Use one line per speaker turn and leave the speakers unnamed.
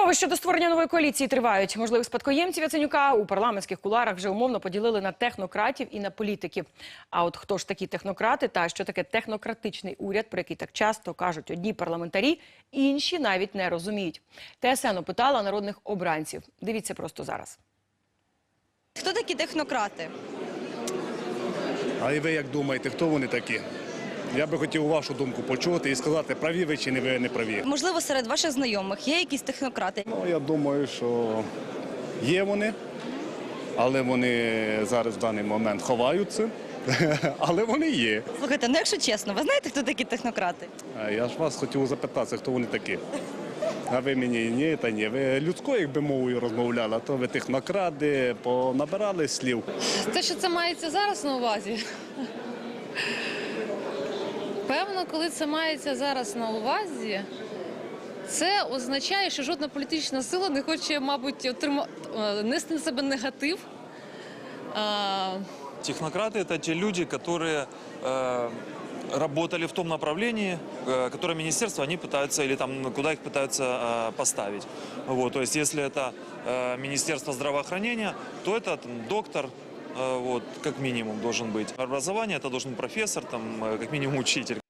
Розмови щодо створення нової коаліції тривають. Можливих спадкоємців Яценюка у парламентських кулуарах вже умовно поділили на технократів і на політиків. А от хто ж такі технократи та що таке технократичний уряд, про який так часто кажуть одні парламентарі, інші навіть не розуміють. ТСН опитала народних обранців. Дивіться просто зараз.
Хто такі технократи?
А і ви як думаєте, хто вони такі? Я би хотів вашу думку почути і сказати, праві ви чи не праві.
Можливо, серед ваших знайомих є якісь технократи?
Ну, я думаю, що є вони, але вони зараз в даний момент ховаються, але вони є.
Слухайте, ну якщо чесно, ви знаєте, хто такі технократи?
А я ж вас хотів запитати, хто вони такі. А ви мені ні, та ні. Ви людською, якби мовою розмовляли, а то ви технократи, понабирали слів.
Те, що це мається зараз на увазі? Певно, коли це мається зараз на увазі, це означає, що жодна політична сила не хоче, мабуть, нести на себе негатив.
Технократы – это те люди, которые работали в том направлении, которое министерство они пытаются, или там, куда их пытаются поставить. Вот, то есть, если это Министерство здравоохранения, то это там, доктор, вот, как минимум должен быть. Образование – это должен быть профессор, там, как минимум учитель.